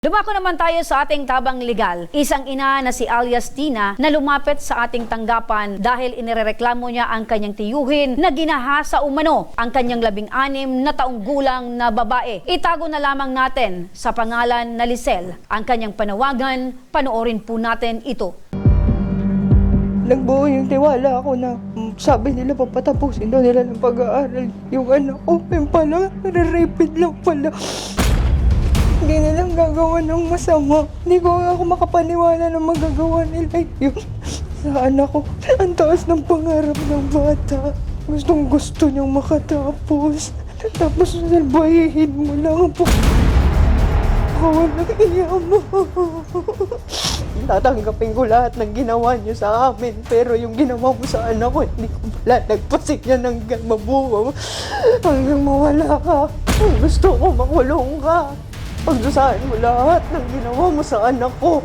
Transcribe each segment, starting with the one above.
Dumako naman tayo sa ating tabang legal. Isang ina na si alias Tina na lumapit sa ating tanggapan dahil inirereklamo niya ang kanyang tiyuhin na ginahasa umano ang kanyang 16 na taong gulang na babae. Itago na lamang natin sa pangalan na Lisel ang kanyang panawagan. Panoorin po natin ito. Nagbuo yung tiwala ako na sabi nila papatapusin daw nila ng pag-aaral yung anak ko. Yung pala, nare-rapid lang pala. Hindi nilang gagawa ng masama. Hindi ko ako makapaniwala na magagawa nila yun sa anak ko. Ang taas ng pangarap ng bata. Gustong gusto niyang makatapos. Tapos salbahihin mo lang po. Walang iya mo. Tatanggapin ko lahat ng ginawa niyo sa amin. Pero yung ginawa mo sa anak ko, hindi ko lalagpasin yan hanggang mabuo. Hanggang mawala ka. Gusto ko makulong ka. Pagdusahan mo lahat ng ginawa mo sa anak ko.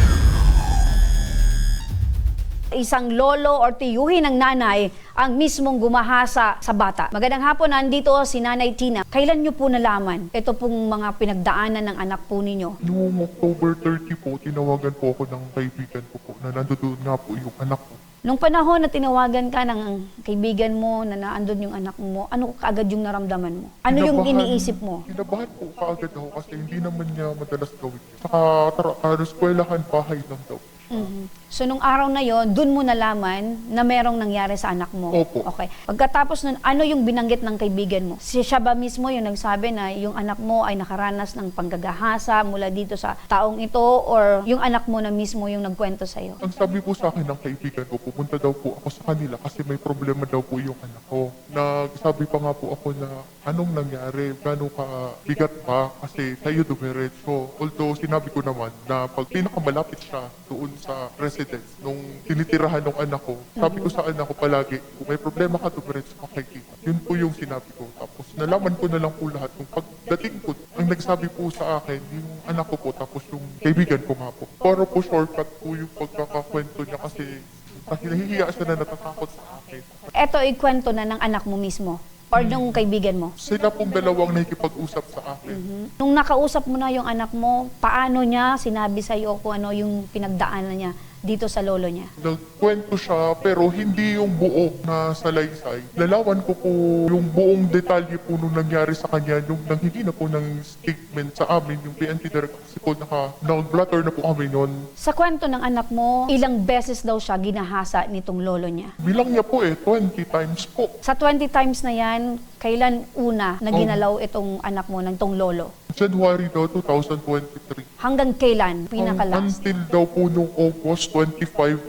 Isang lolo or tiyuhin ng nanay ang mismong gumahasa sa bata. Magandang hapon, nandito si Nanay Tina. Kailan niyo po nalaman ito pong mga pinagdaanan ng anak po ninyo? Noong October 30 po, tinawagan po ako ng kaibigan ko po na nandoon nga po yung anak ko. Nung panahon na tinawagan ka ng kaibigan mo na naandun yung anak mo, ano kaagad yung naramdaman mo? Ano yung iniisip mo? Kinabahan po kaagad ako kasi hindi naman niya madalas gawin. Saka eskwelahan, bahay lang daw. So, nung araw na yon, dun mo nalaman na merong nangyari sa anak mo? Opo. Okay. Pagkatapos nun, ano yung binanggit ng kaibigan mo? Siya ba mismo yung nagsabi na yung anak mo ay nakaranas ng panggagahasa mula dito sa taong ito or yung anak mo na mismo yung nagkwento sa'yo? Ang sabi po sa akin ng kaibigan ko, pupunta daw po ako sa kanila kasi may problema daw po yung anak ko. Nagsabi pa nga po ako na anong nangyari, gano'n ka bigat pa kasi sa'yo dumiretso. Although sinabi ko naman na pag pinakamalapit siya doon sa residence nung tinitirahan ng anak ko, sabi ko sa anak ko palagi, kung may problema ka, dumiretso ka kay Kita. Yun po yung sinabi ko. Tapos nalaman ko na lang po lahat. Nung pagdating ko, ang nagsabi po sa akin, yung anak ko po, tapos yung kaibigan ko nga po. Para po shortcut po yung pagkakakwento niya kasi nahihiya siya na natatakot sa akin. Ito ay kwento na ng anak mo mismo or nung kaibigan mo? Sila pong dalawang nakikipag-usap sa akin. Nung nakausap mo na yung anak mo, paano niya sinabi sa'yo kung ano yung pinagdaanan niya dito sa lolo niya? Nagkwento siya pero hindi yung buo na salaysay. Lalawan ko po yung buong detalye po nung nangyari sa kanya, yung nanghingi na po ng statement sa amin, yung PNP director kasi po nag-blatter na po kami nun. Sa kwento ng anak mo, ilang beses daw siya ginahasa nitong lolo niya? Bilang niya po 20 times po. Sa 20 times na yan, kailan una na ginalaw itong anak mo ng itong lolo? January daw 2023. Hanggang kailan? Pinaka-last? Until daw po nung August 25,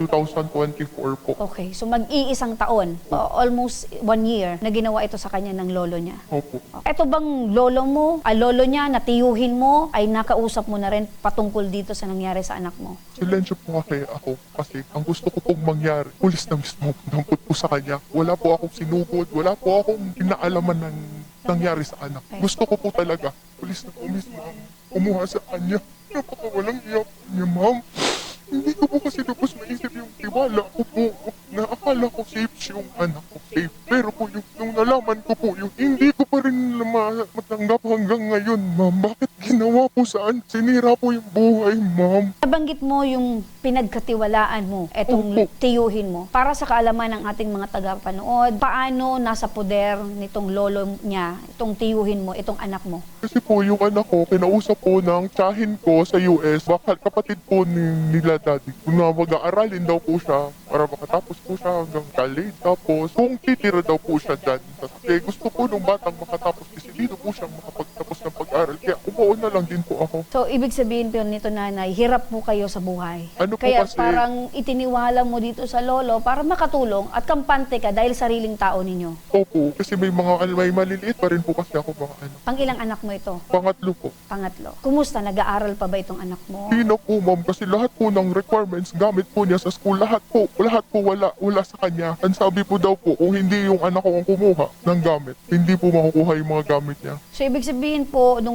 2024 po. Okay, so mag-iisang taon, almost 1 year, na ginawa ito sa kanya ng lolo niya. Opo. Ito bang lolo mo, lolo niya, natiyuhin mo, ay nakausap mo na rin patungkol dito sa nangyari sa anak mo? Silensyo po kaya ako kasi ang gusto ko pong mangyari, pulis na mismo dampot po sa kanya. Wala po akong sinugod, wala po akong kinaalaman ng nangyari sa anak. Okay. Gusto ko po talaga, pulis na po mismo ang kumuha sa kanya. Napakawalang iyak niya, ma'am. Hindi ko po kasi lubos maisip yung tiwala ko po na akala ko safe yung anak ko, safe. Pero po yung nung nalaman ko po yung hindi ko pa rin matanggap hanggang ngayon, ma'am. Bakit ginawa po saan? Sinira po yung buhay, ma'am. Nabanggit mo yung pinagkatiwalaan mo, etong Opo. tiyuhin mo. Para sa kaalaman ng ating mga tagapanood, paano nasa poder nitong lolo niya, itong tiyuhin mo, itong anak mo? Kasi po yung anak ko, kinausap po ng tsahin ko sa US, baka kapatid po nila daddy. Kung na mag-aaralin daw po siya, para makatapos po siya hanggang college. Tapos kung titira daw po siya dyan. Kasi gusto po nung batang makatapos kasi dito po siya makapagtapos ng pag-aral. Kaya umuo na lang din po ako. So, ibig sabihin po nito, nanay, hirap po kayo sa buhay. Ano po Kaya kasi- parang itiniwala mo dito sa lolo para makatulong at kampante ka dahil sariling tao ninyo. Opo, kasi may maliliit pa rin po kasi ako mga anak. Pang-ilang anak mo ito? Pangatlo po. Pangatlo. Kumusta? Nag-aaral pa ba itong anak mo? Hindi na po, ma'am, kasi lahat po ng requirements gamit po niya sa school, lahat po wala sa kanya. Ang sabi po daw po, kung hindi yung anak ko ang kumuha ng gamit, hindi po makukuha yung mga gamit niya. So, ibig sabihin po, nung umalis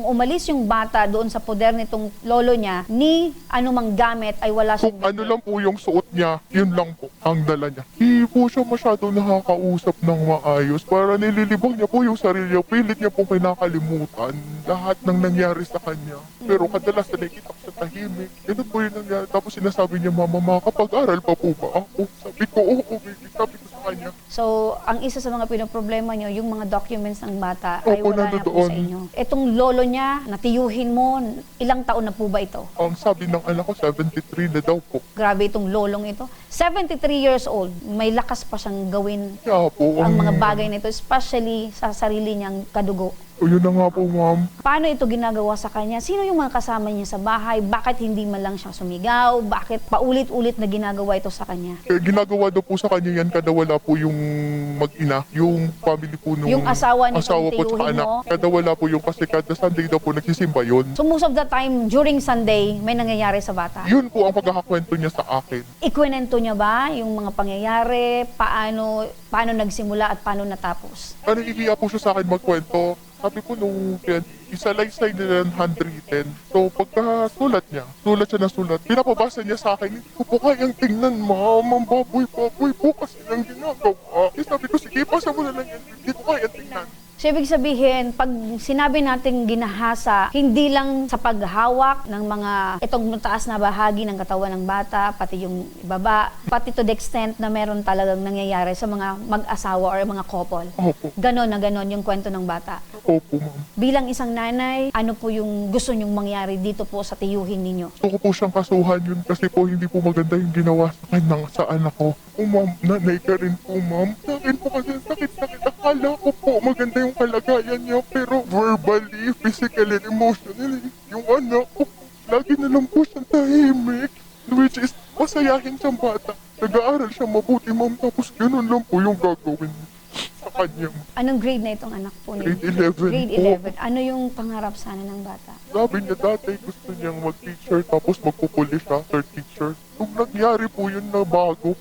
yung bata doon sa poder nitong lolo niya, ni anumang gamit ay wala Kung siyang ano lang po yung suot niya, yun lang po ang dala niya. Hindi po siya masyado nakakausap ng maayos. Para nililibang niya po yung sarili niya. Pilit niya po kinakalimutan lahat ng nangyari sa kanya. Pero kadalasan nakikita ko sa tahimik. Ganun po yung nangyari. Tapos sinasabi niya, Mama, makakapag-aral pa po ba ako? Sabi ko, oo, baby. Sabi ko sa kanya. So, ang isa sa mga pinoproblema nyo, yung mga documents ng bata ay Opo, wala na po nandoon. sa inyo. Itong lolo niya, natiyuhin mo, ilang taon na po ba ito? Ang sabi ng anak ko, 73 na daw po. Grabe itong lolong ito. 73 years old, may lakas pa siyang gawin Kaya po, ang mga bagay nito, especially sa sarili niyang kadugo. O yun na nga po, ma'am. Paano ito ginagawa sa kanya? Sino yung mga kasama niya sa bahay? Bakit hindi man lang siya sumigaw? Bakit paulit-ulit na ginagawa ito sa kanya? Kaya ginagawa daw po sa kanya yan kada wala po yung mag-ina, yung family po nung Yung asawa nitong asawa po tsaka tiyuhin anak. mo? Kada wala po yung kasi kada Sunday daw po nagsisimba yun. So most of the time, during Sunday, may nangyayari sa bata. Yun po ang pagkakakwento niya sa akin. Ikwento niya ba yung mga pangyayari? Paano nagsimula at paano natapos? Ano iiya po siya sa akin magkwento? Sabi ko nung isa-laysay nila ng handwritten. So pagkasulat niya, sulat siya ng sulat. Pinapabasa niya sa akin, hindi ko po kayang tingnan, ma'am. Ang baboy-baboy po kasi ng ginagawa. Eh, sabi ko, sige, pasa mo na lang yan. Hindi ko kayang tingnan. So, ibig sabihin, pag sinabi natin ginahasa, hindi lang sa paghawak ng mga itong mataas na bahagi ng katawan ng bata, pati yung ibaba, pati to the extent na meron talagang nangyayari sa mga mag-asawa or mga couple. Opo. Ganon na ganon yung kwento ng bata. Opo, ma'am. Bilang isang nanay, ano po yung gusto nyong mangyari dito po sa tiyuhin ninyo? Gusto ko po siyang kasuhan yun kasi po hindi po maganda yung ginawa sa kanya sa anak ko. Oh, ma'am, nanay ka rin po, ma'am. Sa akin po kasi sakit-sakit. Akala ko po maganda yung kalagayan niya pero verbally, physically, and emotionally, yung anak ko, lagi na lang po siyang tahimik. Which is, masayahin siyang bata. Nag-aaral siya mabuti, ma'am. Tapos ganun lang po yung gagawin sa kanya. Anong grade na itong anak po ninyo? Grade 11 Grade po. 11. Ano yung pangarap sana ng bata? Sabi niya dati gusto niyang mag-teacher tapos magpupuli siya, third teacher. Nung nangyari po yun na bago,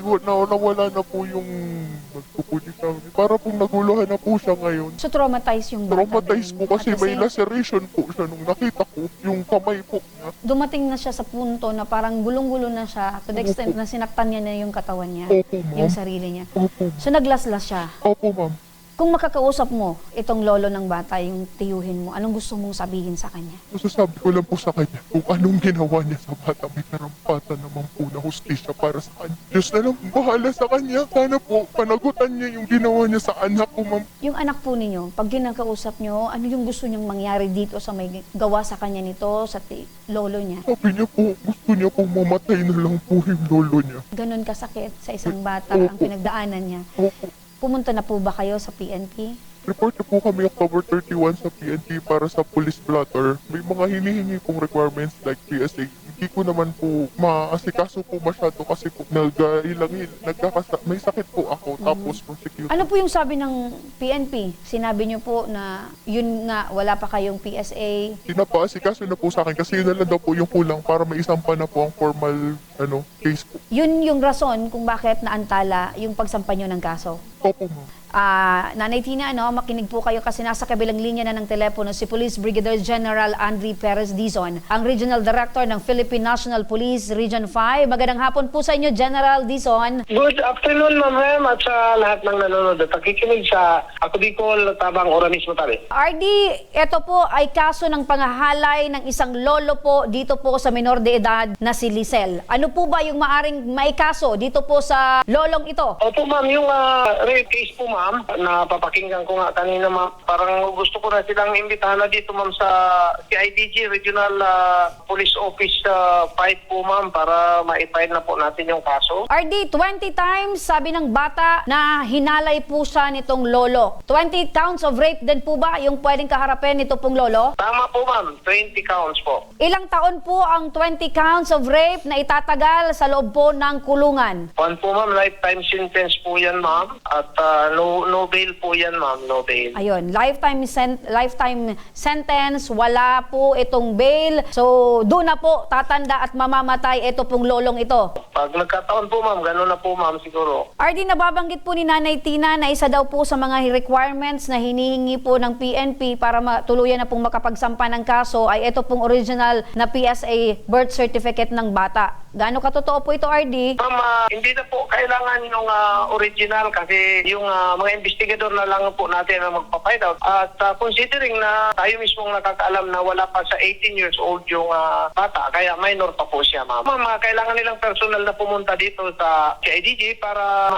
nawala na po yung magpupuli siya. Para pong naguluhan na po siya ngayon. So, traumatized yung bata. Traumatized din. po kasi At may kasi laceration po siya nung nakita ko, yung kamay po niya. dumating na siya sa punto na parang gulong-gulo na siya to the extent na sinaktan niya na yung katawan niya, Opo, ma'am. yung sarili niya. Opo, So, naglaslas siya. opo, ma'am. Kung makakausap mo itong lolo ng bata, yung tiyuhin mo, anong gusto mong sabihin sa kanya? Masasabi ko lang po sa kanya kung anong ginawa niya sa bata. May karampatan naman po na hustisya para sa kanya. Diyos na lang bahala sa kanya. Sana po panagutan niya yung ginawa niya sa anak ko, ma'am. Yung anak po ninyo, pag ginakausap nyo, ano yung gusto niyang mangyari dito sa may gawa sa kanya nito, sa lolo niya? Sabi niya po, gusto niya po mamatay na lang po yung lolo niya. Ganon kasakit sa isang bata ang pinagdaanan niya. Opo. Pumunta na po ba kayo sa PNP? Report na po kami October 31 sa PNP para sa police blotter. May mga hinihingi pong requirements like PSA. Hindi ko naman po maasikaso po masyado kasi po may sakit po ako tapos prosecutor. Ano po yung sabi ng PNP? Sinabi niyo po na yun nga, wala pa kayong PSA. Pinapaasikaso na po sa akin kasi yun na lang daw po yung kulang para may isampa na po ang formal case po. Yun yung rason kung bakit naantala yung pagsampa niyo ng kaso. Opo, ma'am. Nanay Tina, makinig po kayo kasi nasa kabilang linya na ng telepono si Police Brigadier General Andre Perez Dizon, ang Regional Director ng Philippine National Police Region 5. Magandang hapon po sa inyo, General Dizon. Good afternoon, ma'am, at sa lahat ng nanonood at nakikinig sa Ako Bicol, Tabang Oranismo Tabi. RD, ito po ay kaso ng pangahalay ng isang lolo po dito po sa minor de edad na si Lisel. Ano po ba yung maaring maikaso dito po sa lolong ito? Opo, ma'am, yung rape case po, ma'am, na papakinggan ko nga kanina, ma'am. Parang gusto ko na silang imbitahan na dito, ma'am, sa CIDG Regional Police Office 5 po, ma'am, para ma-file na po natin yung kaso. RD, 20 times sabi ng bata na hinalay po siya nitong lolo. 20 counts of rape din po ba yung pwedeng kaharapin nito pong lolo? Tama po, ma'am. 20 counts po. Ilang taon po ang 20 counts of rape na itatagay katagal sa loob po ng kulungan? One po ma'am, lifetime sentence po yan ma'am. At no bail po yan ma'am, no bail. Ayun, lifetime sentence, wala po itong bail. So, doon na po tatanda at mamamatay ito pong lolong ito. Pag nagkataon po ma'am, gano'n na po ma'am siguro. RD, nababanggit po ni Nanay Tina na isa daw po sa mga requirements na hinihingi po ng PNP para tuluyan na pong makapagsampa ng kaso ay ito pong original na PSA birth certificate ng bata. Gaano katotoo po ito, RD? Ma'am, hindi na po kailangan yung original kasi yung mga investigador na lang po natin ang magpa-find out. At considering na tayo mismong nakakaalam na wala pa sa 18 years old yung bata, kaya minor pa po siya, ma'am. Ma'am, kailangan nilang personal na pumunta dito sa CIDG para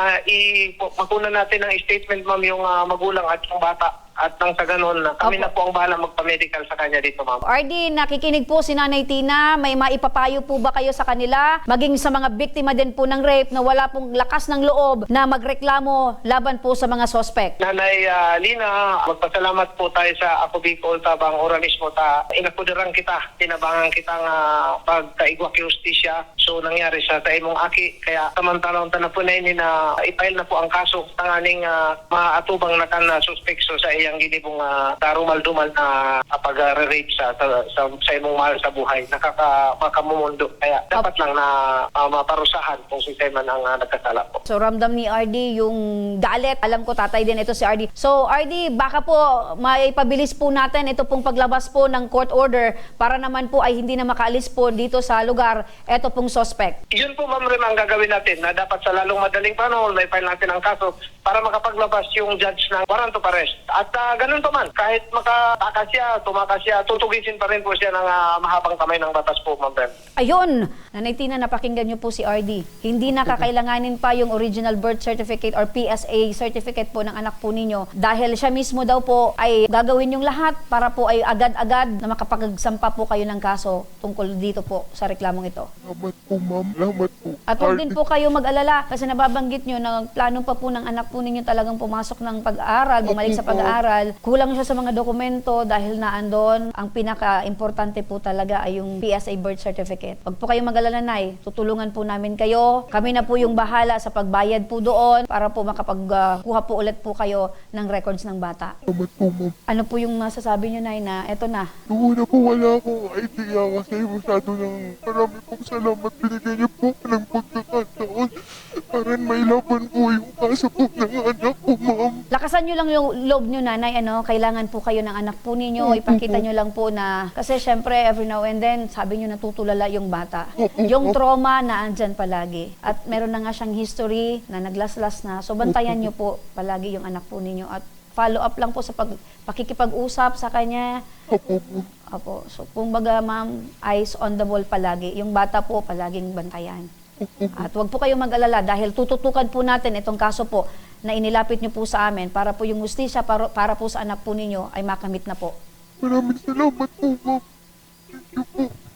makunan natin ng statement, ma'am, yung magulang at yung bata. At nang sa ganun, kami na po ang bahala magpa-medical sa kanya dito, ma'am. RD, nakikinig po si Nanay Tina. May maipapayo po ba kayo sa kanila? Maging sa mga biktima din po ng rape na wala pong lakas ng loob na magreklamo laban po sa mga sospek. Nanay Lina, magpasalamat po tayo sa Ako Bicol Tabang Organismo ta inakudiran kita, tinabangan kitang pagkaigwa kay justisya. So nangyari sa imong aki, kaya samantalang tanapunayin na i-file na po ang kaso tanganing maatubang na kan suspekso sa iyang ginibong tarumal-dumal na pag-rape sa imong mahal sa buhay. Makakamumundo. Kaya dapat lang na maparusahan kung si man ang nagkasala po. So ramdam ni RD yung galit. Alam ko tatay din ito si RD. So RD, baka po maipabilis po natin ito pong paglabas po ng court order para naman po ay hindi na makaalis po dito sa lugar ito pong suspect. Yun po ma'am rin ang gagawin natin na dapat sa lalong madaling panahon may file natin ang kaso para makapaglabas yung judge ng warrant of arrest. At ganun pa man, kahit makatakas siya, tumakas siya, tutugisin pa rin po siya ng mahabang kamay ng batas po, ma'am. Ayun, Nanay Tina, napakinggan niyo po si RD. Hindi na kakailanganin pa yung original birth certificate or PSA certificate po ng anak po ninyo dahil siya mismo daw po ay gagawin yung lahat para po ay agad-agad na makapagsampa po kayo ng kaso tungkol dito po sa reklamong ito. Salamat po, ma'am. Salamat po. At huwag din po kayo mag-alala kasi nababanggit nyo na plano pa po ng anak po ninyo talagang pumasok ng pag-aaral, bumalik sa pag-aaral. Kulang siya sa mga dokumento dahil naandon. Ang pinaka-importante po talaga ay yung PSA birth certificate. Huwag po kayo mag-alala, Nay. Tutulungan po namin kayo. Kami na po yung bahala sa pagbayad po doon para po makapagkuha po ulit po kayo ng records ng bata. Salamat po, ma'am. Ano po yung masasabi nyo, Nay, na eto na? Noong una po wala akong idea kasi masyado ng marami pong salamat binigay niyo po ng pagkakataon para may laban po yung kaso po ng anak ko, ma'am. Lakasan nyo lang yung loob nyo, Nanay. Kailangan po kayo ng anak po ninyo. Ipakita nyo lang po na, kasi syempre every now and then, sabi nyo natutulala yung bata. Yung trauma na andyan palagi. At meron na nga siyang history na naglaslas na. So bantayan nyo po palagi yung anak po ninyo. At follow up lang po sa pakikipag-usap sa kanya. Opo. So kung baga, ma'am, eyes on the ball palagi. Yung bata po palaging bantayan. At huwag po kayong mag-alala dahil tututukan po natin itong kaso po na inilapit nyo po sa amin para po yung justisya para po sa anak po ninyo ay makamit na po. Maraming salamat po, ma'am. Thank you po.